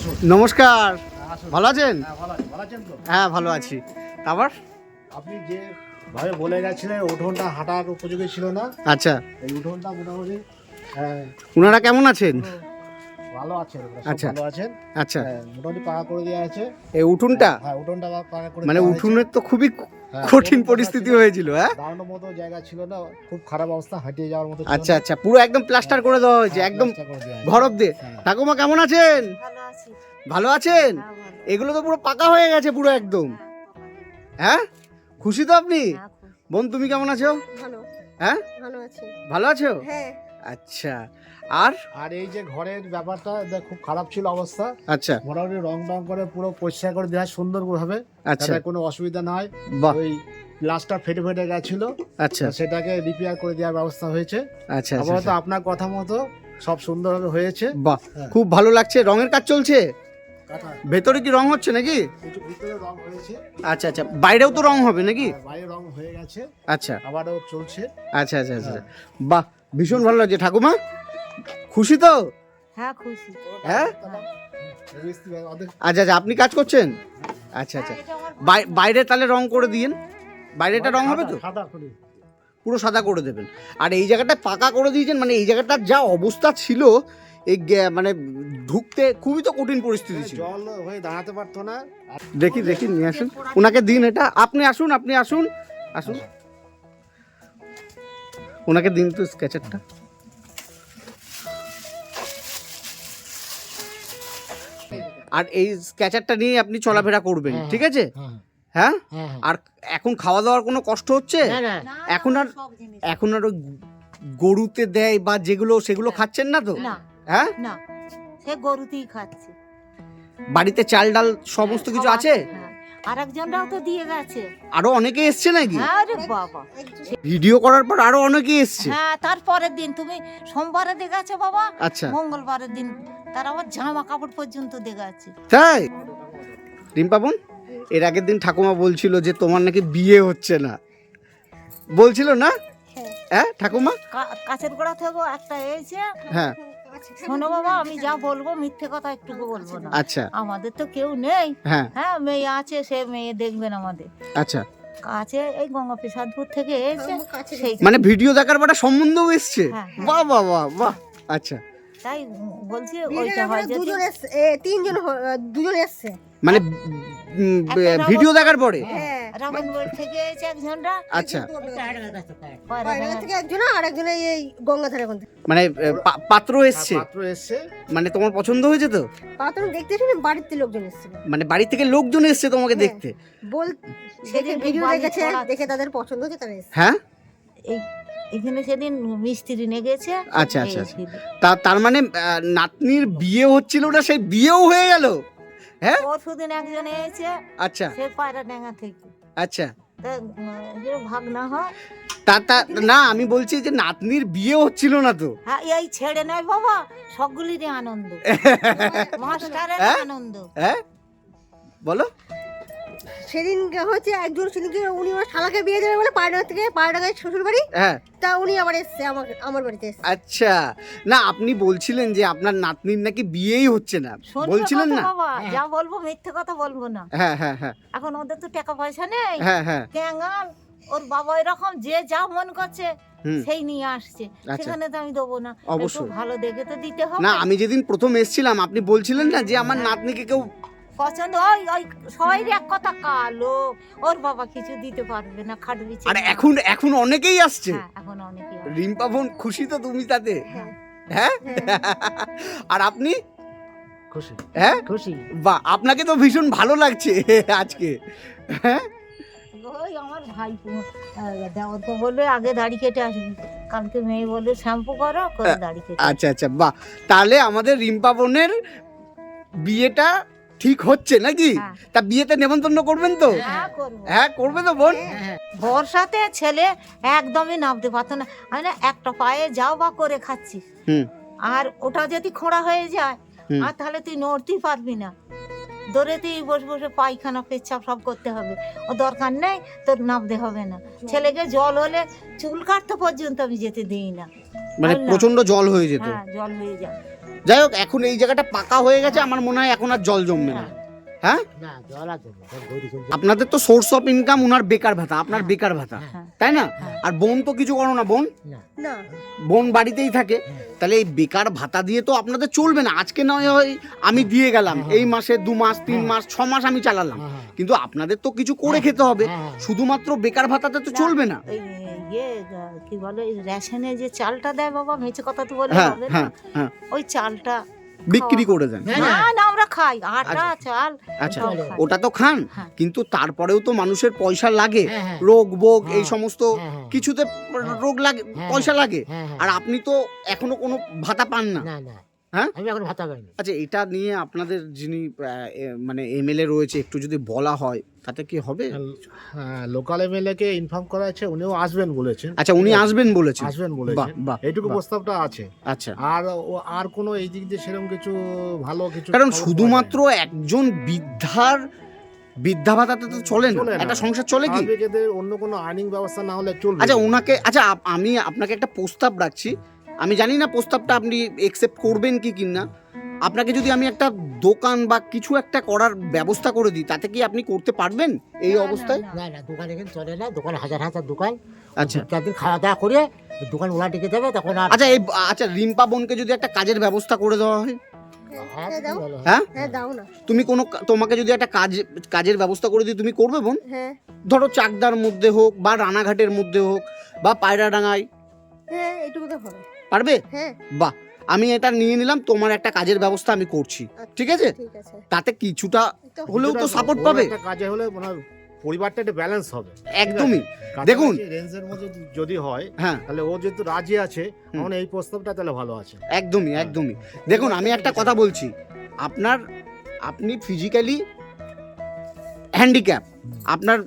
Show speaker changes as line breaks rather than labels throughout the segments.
নমস্কার, ভালো আছেন?
ভালো আছেন তো?
হ্যাঁ ভালো আছি। তারপর
আপনি যে ভাবে বলে গেছিলেন উঠোনটা হাঁটার উপযোগী ছিল না,
আচ্ছা,
এই উঠোনটা মোটামুটি
ওনারা কেমন আছেন?
ভালো আছেন,
আচ্ছা।
ভালো আছেন।
আচ্ছা,
মোটামুটি পাকা করে দেওয়া আছে।
এই উঠোনটা
হ্যাঁ, উঠোনটা পাকা করে
মানে
দেওয়া হয়েছে।
উঠোনের তো খুবই
হ্যাঁ,
কঠিন
উঠোনটা
পরিস্থিতি
ছিল,
হয়েছিল, হ্যাঁ?
দাঁড়ানোর মতো জায়গা ছিল না, খুব খারাপ অবস্থা, হাঁটিয়ে যাওয়ার মতো ছিল
আচ্ছা
না।
আচ্ছা, পুরো একদম প্লাস্টার করে দেওয়া হয়েছে,
হ্যাঁ,
একদম
প্লাস্টার করে দেওয়া আছে।
ঘর অব্দি।
হ্যাঁ।
ঠাকুমা কেমন আছেন?
ভালো আছি।
ভালো আছেন?
হ্যাঁ, ভালো।
এগুলো তো পুরো পাকা হয়ে গেছে পুরো একদম, হ্যাঁ? খুশি তো আপনি?
হ্যাঁ, খুব
বোন তুমি কেমন আছো?
ভালো।
হ্যাঁ
ভালো আছি।
ভালো আছো?
হ্যাঁ।
আচ্ছা, আর
আর এই যে ঘরের ব্যাপারটা খুব খারাপ ছিল অবস্থা,
আচ্ছা
মোটামুটি রং করে পুরো পরিষ্কার করে দেওয়া সুন্দর ভাবে,
আচ্ছা,
যাতে কোনো অসুবিধা না হয়।
বাহ,
ওই গ্লাসটা ফেটে গেছিল,
আচ্ছা
সেটাকে রিপেয়ার করে দেওয়ার ব্যবস্থা হয়েছে।
আচ্ছা
আপাতত
আচ্ছা,
আপনার কথা মতো সব সুন্দরভাবে হয়েছে।
বাহ,
হ্যাঁ।
খুব ভালো লাগছে। রঙের কাজ চলছে?
কাটা
ভেতরে কি রং হচ্ছে নাকি?
কিছু ভিতরে রং হয়েছে,
আচ্ছা আচ্ছা, বাইরেও তো রং হবে নাকি?
বাইরে রং হয়ে গেছে,
আচ্ছা
আবারও চলছে।
আচ্ছা আচ্ছা আচ্ছা, বাহ, ভীষণ ভালো লাগছে। ঠাকুমা খুশি তো?
হ্যাঁ, খুশি।
হ্যাঁ?
অর্ধেক
আচ্ছা আচ্ছা, আপনি কাজ করছেন? আচ্ছা আচ্ছা,
হ্যাঁ, এটা আমার
বাইরে তাহলে রং করে দিন, বাইরেটা রং হবে তো?
সাদা করে।
পুরো সাদা করে দেবেন। আর এই জায়গাটা পাকা করে দিয়েছেন, মানে এই জায়গাটার যা অবস্থা ছিল, এই মানে ঢুকতে খুবই তো কঠিন পরিস্থিতি ছিল।
জল হয়ে দাঁড়াতে পারতো না।
দেখি দেখি, নিয়ে আসুন, ওনাকে দিন এটা। আপনি আসুন, আপনি আসুন, আসুন, ওনাকে দিন তো স্কেচারটা। আর এই স্কেচারটা নিয়ে আপনি চলাফেরা করবেন, ঠিক আছে?
হ্যাঁ,
হ্যাঁ?
হ্যাঁ, হ্যাঁ।
আর এখন খাওয়া দাওয়ার কোনো কষ্ট হচ্ছে?
না, না,
না,
এখন আর
সব জিনিস।
এখন আর ওই গরুতে দেয় বা যেগুলো, সেগুলো খাচ্ছেন না তো?
না,
হ্যাঁ,
না, সে গরুতেই খাচ্ছে।
বাড়িতে চাল ডাল সমস্ত
হ্যাঁ,
কিছু
সব
আছে?
হ্যাঁ। আরেকজনরাও তো দিয়ে গেছে।
আরো অনেকে এসছে নাকি?
হ্যাঁ রে বাবা।
ভিডিও করার পর আরো অনেকে এসছে?
হ্যাঁ, তারপরের দিন তুমি সোমবারে দেখেছো বাবা,
আচ্ছা,
মঙ্গলবারের দিন তার আবার জামা কাপড় পর্যন্ত দেখেছে।
তাই? রিম্পা বোন, এর আগের দিন ঠাকুমা বলছিল যে তোমার নাকি বিয়ে হচ্ছে না, বলছিল না?
হ্যাঁ।
হ্যাঁ ঠাকুমা?
কাছের গোড়া থেকে একটা এসে,
হ্যাঁ,
শোনো বাবা, আমি যা বলবো মিথ্যে কথা একটুকু বলবো না।
আচ্ছা,
আমাদের তো কেউ নেই।
হ্যাঁ,
হ্যাঁ, মেয়ে আছে, সে মেয়ে দেখবেন আমাদের
আচ্ছা,
কাছে। এই গঙ্গা প্রসাদপুর থেকে এসে সেই
মানে ভিডিও দেখার পর একটা সম্বন্ধও এসছে?
হ্যাঁ, হ্যাঁ।
বাহ বাহ বাহ বাহ, আচ্ছা,
তাই বলছি ওইটা হয় যে
দুজন এসছে।
মানে
একটা
ভিডিও দেখার পরে?
হ্যাঁ,
রামনগর থেকে এসে একজনরা
আচ্ছা,
পায়রা থেকে একজন আর একজন এই গঙ্গাধারে কোন
মানে পাত্র এসছে,
পাত্র এসছে।
মানে তোমার পছন্দ হয়েছে তো?
পাত্র দেখতে শুনে বাড়িতে লোকজন এসেছিল।
মানে বাড়ি থেকে লোকজন এসছে তোমাকে
হ্যাঁ।
দেখতে?
বল
সেদিন
দেখে ভিডিও
বাড়ি
দেখেছে,
ছড়াচ্ছে।
দেখে তাদের পছন্দ হয়েছে তারা এসেছে।
হ্যাঁ,
এই এখানে সেদিন মিস্ত্রি নিয়ে গেছে।
আচ্ছা, আচ্ছা,
এই
আচ্ছা।
সেদিন।
তার মানে নাতনির বিয়ে হচ্ছিল না, সেই বিয়েও হয়ে গেল? হ্যাঁ,
পরশুদিন একজন এসেছে,
আচ্ছা
সে পায়রা ডাঙ্গা থেকে।
আচ্ছা,
তা যে ভাগ না হয়,
তা না, আমি বলছি যে নাতনির বিয়ে হচ্ছিল না তো?
হ্যাঁ, এই ছেড়ে নয় বাবা, সবগুলিরই আনন্দ, মাস্টারের
হ্যাঁ?
আনন্দ।
হ্যাঁ, বলো।
সেদিন হচ্ছে একজন সেদিনকে উনি ওর শালাকে বিয়ে দেবে বলে পায়রা গায়ে শ্বশুর বাড়ি,
হ্যাঁ,
তা উনি আবার এসছে আমার বাড়িতে এসছে।
আচ্ছা, না আপনি বলছিলেন যে আপনার নাতনির নাকি বিয়েই হচ্ছে না,
শুনবে
বলছিলেন
কথা
না?
বাবা, যা বলবো মিথ্যে কথা বলবো না।
হ্যাঁ হ্যাঁ হ্যাঁ
এখন ওদের তো টাকা পয়সা নেই,
হ্যাঁ হ্যাঁ,
ক্যাঙ্গাল, ওর বাবা এরকম যে যা মন করছে
হুম,
সেই নিয়ে আসছে।
আচ্ছা।
সেখানে তো আমি দেবো না, একটু
অবশ্যই।
ভালো দেখে তো দিতে হবে।
না আমি যেদিন প্রথম এসেছিলাম আপনি বলছিলেন না যে আমার নাতনিকে কেউ,
পছন্দ ওই ওই সবাই এক কথা কালো, ওর বাবা কিছু দিতে পারবে না, খাটবি।
আর এখন অনেকেই আসছে।
হ্যাঁ, এখন অনেকে
রিম্পা বোন খুশি তো তুমি তাতে?
হ্যাঁ,
হ্যাঁ,
হ্যাঁ।
আর আপনি?
খুশি,
হ্যাঁ,
খুশি।
বাহ, আপনাকে তো ভীষণ ভালো লাগছে আজকে। হ্যাঁ,
ওই আমার ভাই দেওয়ার তো বলবে আগে দাড়ি কেটে আসবি, কালকে মেয়ে বলবে শ্যাম্পু করো, করে দাড়ি কেটে।
আচ্ছা আচ্ছা, বাহ, তাহলে আমাদের রিম্পা বোনের বিয়েটা ঠিক হচ্ছে নাকি?
হ্যাঁ।
তা বিয়েতে নেমন্তন্ন করবেন তো?
হ্যাঁ, করবো।
হ্যাঁ, করবে তো বোন?
বর্ষাতে ছেলে একদমই নামতে পারতো না, আমি না একটা পায়ে যাও বা করে খাচ্ছি,
হুম,
আর ওটা যদি খোঁড়া হয়ে যায়
হুম।
আর তাহলে তুই নড়তেই পারবি না, দৌড়েতেই বসে বসে পায়খানা পেচ্ছাপ সব করতে হবে। ও দরকার নেই, তোর নামতে হবে না। ছেলেকে জল হলে চুল কাটতে পর্যন্ত আমি যেতে দিই না।
মানে
না।
প্রচন্ড জল হয়ে যেত?
হ্যাঁ, জল হয়ে যায়।
যাই হোক, এখন এই জায়গাটা পাকা হয়ে গেছে, আমার মনে হয় এখন আর জল জমবে না। হ্যাঁ,
না জল আর জল সব গরু চলছে।
আপনাদের তো সোর্স অফ ইনকাম উনার বেকার ভাতা, আপনার বেকার ভাতা,
হ্যাঁ।
তাই না? আর বোন তো কিছু করো না, বোন
না
বোন বাড়িতেই থাকে, তাহলে এই বেকার ভাতা দিয়ে তো আপনাদের চলবে না। আজকে নয় হয় আমি দিয়ে গেলাম, এই মাসে 2 মাস 3 মাস 6 মাস আমি চালালাম, কিন্তু আপনাদের তো কিছু করে খেতে হবে। শুধুমাত্র বেকার ভাতাতে তো চলবে না।
ওই কি বলে, রেশনে যে চালটা দেয় বাবা, মেচে কথা তো বলে
হ্যাঁ
হবে না,
হ্যাঁ হ্যাঁ,
ওই চালটা
বিক্রি করে দেন।
না না আমরা খাই আটা চাল।
আচ্ছা,
ওটাও খাই।
ওটা তো খান,
হ্যাঁ।
কিন্তু তারপরেও তো মানুষের পয়সা লাগে,
হ্যাঁ, হ্যাঁ।
রোগ বোগ এই
হ্যাঁ,
সমস্ত
হ্যাঁ, হ্যাঁ।
কিছুতে রোগ লাগে,
হ্যাঁ,
পয়সা লাগে।
হ্যাঁ, হ্যাঁ।
আর আপনি তো এখনো কোনো ভাতা পান না।
না না,
হ্যাঁ?
আমি এখন ভাতা পাইনি।
আচ্ছা, এটা নিয়ে আপনাদের যিনি মানে এমএলএ রয়েছে, একটু যদি বলা হয় তাতে কি হবে?
হ্যাঁ, লোকাল এমএলএ কে ইনফর্ম করা আছে, উনিও আসবেন বলেছেন।
আচ্ছা, উনি আসবেন বলেছেন?
আসবেন
বাহ
বলেছেন,
বাহ,
এইটুকু
বাহ।
প্রস্তাবটা আছে।
আচ্ছা,
আর কোনো এই দিক দিয়ে সেরকম কিছু ভালো কিছু
কারণ
খবর পাওয়া
শুধুমাত্র
যায়নি।
একজন বৃদ্ধা ভাতাতে তো চলে না,
চলে না।
একটা সংসার চলে কি?
স্বাভাবিক এদের অন্য কোনো আর্নিং ব্যবস্থা না হলে চলবে
আচ্ছা,
না।
ওনাকে, আচ্ছা আমি আপনাকে একটা প্রস্তাব রাখছি, আমি জানি না প্রস্তাবটা আপনি একসেপ্ট করবেন কি কিনা। আপনাকে যদি আমি একটা দোকান বা কিছু একটা করার ব্যবস্থা করে দিই, তাতে কি আপনি করতে পারবেন এই
না,
অবস্থায়?
না,
না না, দোকান এখানে চলে না, দোকান হাজার হাজার দোকান।
আচ্ছা
4 দিন খাওয়া দাওয়া করে দোকান ওলা টিকে যাবে, তখন আর
আচ্ছা, এই আচ্ছা রিম্পা বোনকে যদি একটা কাজের ব্যবস্থা করে দেওয়া হয়,
আর
দাও।
ভালো হয়।
হ্যাঁ,
হ্যাঁ দাও না।
তুমি তোমাকে যদি একটা কাজের ব্যবস্থা করে দিই, তুমি করবে বোন?
হ্যাঁ
ধরো চাকদার মধ্যে হোক বা রানাঘাটের মধ্যে হোক বা পায়রাডাঙ্গায়,
হ্যাঁ এটুকু তো হবে।
পারবে?
হ্যাঁ
বাহ, আমি এটা নিয়ে নিলাম, তোমার একটা কাজের ব্যবস্থা আমি করছি, ঠিক আছে?
ঠিক আছে।
তাতে কিছুটা
তো
হলেও তো
কিছুটা
সাপোর্ট
ওর
পাবে।
একটা কাজে হলে ওনার পরিবারটা একটা ব্যালেন্স হবে।
একদমই। দেখুন,
রেঞ্জের মধ্যে যদি হয়,
হ্যাঁ,
তাহলে ও যেহেতু রাজি আছে, তখন এই প্রস্তাবটা তাহলে ভালো আছে।
একদমই একদমই। দেখুন, আমি একটা কথা বলছি, আপনি ফিজিক্যালি হ্যান্ডিক্যাপ, আপনার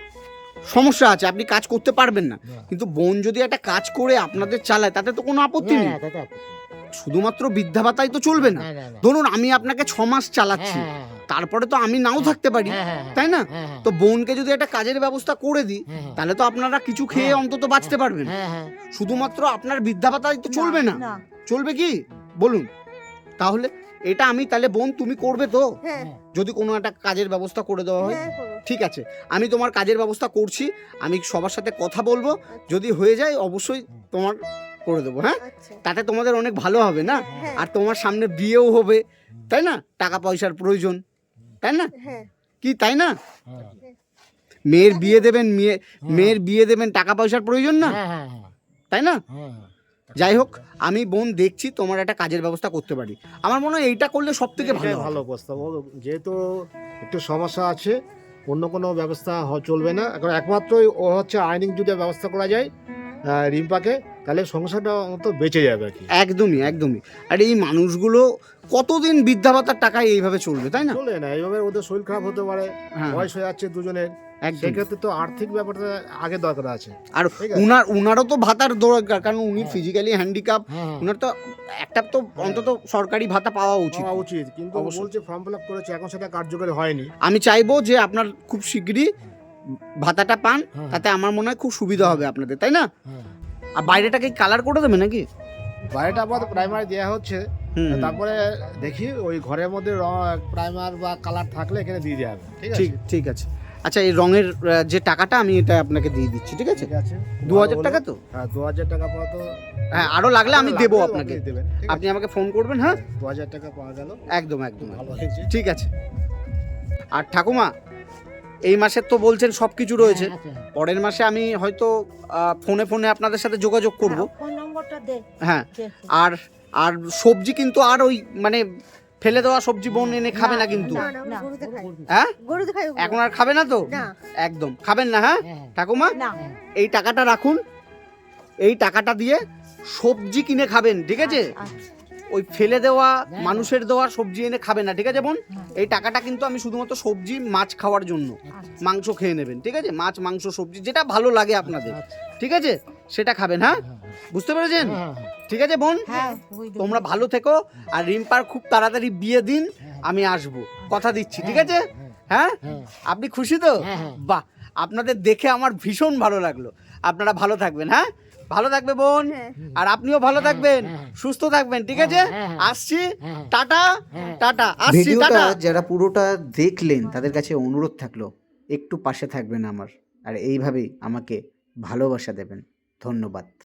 সমস্যা আছে, আপনি কাজ করতে পারবেন না, কিন্তু বোন যদি একটা কাজ করে আপনাদের চালায়, তাতে তো কোনো আপত্তি নেই।
হ্যাঁ, দাদা।
শুধুমাত্র বৃদ্ধা ভাতাই তো চলবে না।
না, না, না।
ধরুন আমি আপনাকে 6 মাস চালাচ্ছি,
হ্যাঁ, হ্যাঁ,
তারপরে তো আমি নাও থাকতে পারি,
হ্যাঁ, হ্যাঁ,
তাই না?
হ্যাঁ, হ্যাঁ,
তো বোনকে যদি একটা কাজের ব্যবস্থা করে দিই,
হ্যাঁ,
তাহলে তো আপনারা কিছু খেয়ে
হ্যাঁ,
অন্তত বাঁচতে পারবেন।
হ্যাঁ, হ্যাঁ।
শুধুমাত্র আপনার বৃদ্ধা ভাতাই তো চলবে না,
না
চলবে কি বলুন? তাহলে এটা আমি তাহলে বোন তুমি করবে তো,
হ্যাঁ
যদি কোনো একটা কাজের ব্যবস্থা করে দেওয়া হয়?
হ্যাঁ করবো।
ঠিক আছে, আমি তোমার কাজের ব্যবস্থা করছি, আমি সবার সাথে কথা বলবো, যদি হয়ে যায় অবশ্যই তোমার করে দেবো। হ্যাঁ,
আচ্ছা
তাতে তোমাদের অনেক ভালো হবে না?
হ্যাঁ
আর তোমার সামনে বিয়েও হবে, তাই না? টাকা পয়সার প্রয়োজন, তাই না?
হ্যাঁ
কি তাই না?
হ্যাঁ,
মেয়ের বিয়ে দেবেন, মেয়ের বিয়ে দেবেন, টাকা পয়সার প্রয়োজন না,
হ্যাঁ, হ্যাঁ, হ্যাঁ,
তাই না?
হ্যাঁ।
যাই হোক, আমি বোন দেখছি তোমার একটা কাজের ব্যবস্থা করতে পারি। আমার মনে হয় এইটা করলে সব থেকে ভালো
এটাই
হবে।
ভালো প্রস্তাব। ও যেহেতু একটু সমস্যা আছে, অন্য কোনো ব্যবস্থা চলবে না, এখন একমাত্রই ও হচ্ছে আইনিং যদি ব্যবস্থা করা যায় রিম্পাকে, তাহলে সংসারটা অন্তত বেঁচে যাবে আর কি।
একদমই একদমই। আর এই মানুষগুলো কতদিন বৃদ্ধা ভাতার টাকায় এইভাবে চলবে, তাই না?
চলে না, এইভাবে ওদের শরীর খারাপ হতে পারে,
হ্যাঁ,
বয়স হয়ে যাচ্ছে দুজনের,
একদম।
সেক্ষেত্রে তো আর্থিক ব্যাপারটা আগে দরকার আছে।
আর
ঠিক আছে।
উনারও তো ভাতার দরকার, কারণ উনি ফিজিক্যালি হ্যান্ডিক্যাপ,
হ্যাঁ,
উনার তো একটা তো অন্তত সরকারি ভাতা পাওয়া উচিত।
হওয়া উচিত, কিন্তু ও
অবশ্যই।
বলছে ফর্ম ফিল আপ করেছে, এখন সেটা কার্যকরী হয়নি।
আমি চাইবো যে আপনার খুব শিগগিরই ভাতাটা পান,
হ্যাঁ।
তাতে আমার মনে হয় খুব সুবিধা হবে আপনাদের, তাই না?
হ্যাঁ।
আর বাইরেটাকে কালার করে দেবে নাকি?
বাইরেটা আপাতত প্রাইমারি দেওয়া হচ্ছে,
হুম,
তারপরে দেখি ওই ঘরের মধ্যে প্রাইমার বা কালার থাকলে এখানে দিয়ে দেওয়া হবে। ঠিক আছে,
ঠিক ঠিক আছে। আচ্ছা, এই রঙের যে টাকাটা আমি এটা আপনাকে দিয়ে দিচ্ছি, ঠিক আছে?
ঠিক আছে।
2000 টাকা তো?
হ্যাঁ, 2000 টাকা পাওয়া তো।
হ্যাঁ, আরো লাগলে আমি দেবো
লাগলে
আপনাকে,
আপনি দেবেন, ঠিক
আপনি
আছে?
আমাকে ফোন করবেন। হ্যাঁ,
2000 টাকা পাওয়া গেল,
একদম একদম
ভালো
একদম।
হয়েছে।
ঠিক আছে। আর ঠাকুমা, এই মাসের তো বলছেন সব কিছু রয়েছে, পরের মাসে আমি হয়তো ফোনে ফোনে আপনাদের সাথে যোগাযোগ করব।
ফোন নম্বরটা দে
হ্যাঁ,
দেখো।
আর আর সবজি কিন্তু আর ওই মানে ফেলে দেওয়া সবজি বোন এনে খাবে না কিন্তু,
না না
না,
গরুতে খাই,
হ্যাঁ?
গরুতে খাই ওগুলো।
এখন আর খাবে না তো?
না
একদম খাবেন না। হ্যাঁ
হ্যাঁ,
ঠাকুমা,
না
এই টাকাটা রাখুন, এই টাকাটা দিয়ে সবজি কিনে খাবেন, ঠিক আছে?
আচ্ছা,
ওই ফেলে দেওয়া
না।
মানুষের দেওয়া সবজি এনে খাবেন না, ঠিক আছে বোন?
হুম।
এই টাকাটা কিন্তু আমি শুধুমাত্র সবজি মাছ খাওয়ার জন্য,
আচ্ছা।
মাংস খেয়ে নেবেন, ঠিক আছে? মাছ মাংস সবজি যেটা ভালো লাগে আপনাদের,
আচ্ছা।
ঠিক আছে? সেটা খাবেন। হ্যাঁ, বুঝতে পেরেছেন?
হ্যাঁ, হ্যাঁ,
ঠিক আছে বোন,
হ্যাঁ বুঝতে
তোমরা ভালো থেকো, আর রিম্পার খুব তাড়াতাড়ি বিয়ে দিন,
হ্যাঁ।
আমি আসবো, কথা দিচ্ছি, ঠিক আছে? হ্যাঁ,
হ্যাঁ,
আপনি খুশি তো?
হ্যাঁ, হ্যাঁ।
বাহ, আপনাদের দেখে আমার ভীষণ ভালো লাগলো। আপনারা ভালো থাকবেন। হ্যাঁ, ভালো থাকবে বোন,
হ্যাঁ।
আর আপনিও ভালো থাকবেন,
হ্যাঁ।
সুস্থ থাকবেন, ঠিক আছে? আসছি,
হ্যাঁ।
টাটা,
হ্যাঁ।
টাটা, আসছি,
ভিডিওটা
টাটা।
যারা পুরোটা দেখলেন তাদের কাছে অনুরোধ থাকলো একটু পাশে থাকবেন আমার, আর এইভাবেই আমাকে ভালোবাসা দেবেন। ধন্যবাদ।